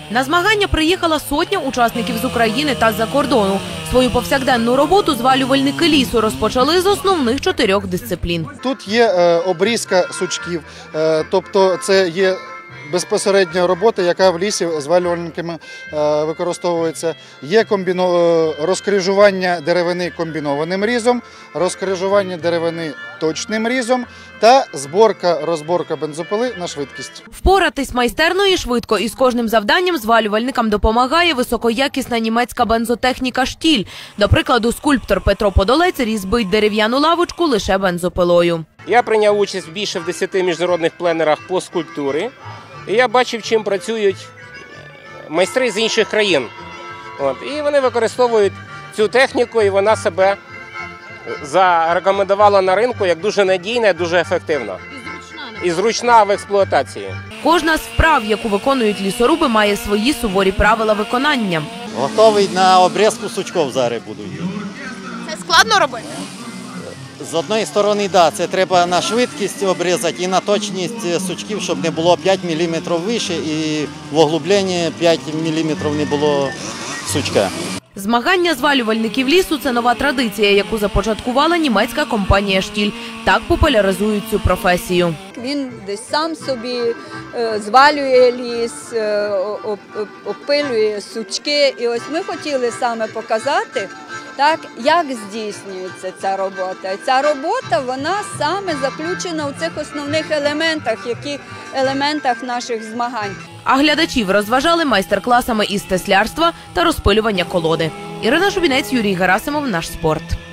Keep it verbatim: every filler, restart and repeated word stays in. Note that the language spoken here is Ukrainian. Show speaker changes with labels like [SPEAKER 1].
[SPEAKER 1] На змагання приїхала сотня учасників з України та з-за кордону. Свою повсякденну роботу звалювальники лісу розпочали з основних чотирьох дисциплін.
[SPEAKER 2] Тут є обрізка сучків, тобто це є безпосередня робота, яка в лісі звалювальниками використовується. Є комбіно... розкрижування деревини комбінованим різом, розкрижування деревини точним різом та зборка-розборка бензопили на швидкість.
[SPEAKER 1] Впоратись майстерно і швидко із кожним завданням звалювальникам допомагає високоякісна німецька бензотехніка «Штіль». До прикладу, скульптор Петро Подолець різьбить дерев'яну лавочку лише бензопилою.
[SPEAKER 3] Я прийняв участь більше в десяти міжнародних пленерах по скульптурі. І я бачив, чим працюють майстри з інших країн. От. І вони використовують цю техніку, і вона себе зарекомендувала на ринку як дуже надійна, дуже ефективна. І зручна в експлуатації.
[SPEAKER 1] Кожна з вправ, яку виконують лісоруби, має свої суворі правила виконання.
[SPEAKER 4] Готовий на обрізку сучків зараз буду.
[SPEAKER 5] Це складно робити?
[SPEAKER 4] З однієї сторони, так, це треба на швидкість обрізати і на точність сучків, щоб не було п'ять міліметрів вище і в углубленні п'ять міліметрів не було сучка.
[SPEAKER 1] Змагання звалювальників лісу – це нова традиція, яку започаткувала німецька компанія «Штіль». Так популяризують цю професію.
[SPEAKER 6] Він десь сам собі звалює ліс, опилює сучки. І ось ми хотіли саме показати, так, як здійснюється ця робота. І ця робота, вона саме заключена у цих основних елементах, які елементах наших змагань.
[SPEAKER 1] А глядачів розважали майстер-класами із теслярства та розпилювання колоди. Ірина Шубінець, Юрій Герасимов, «Наш спорт».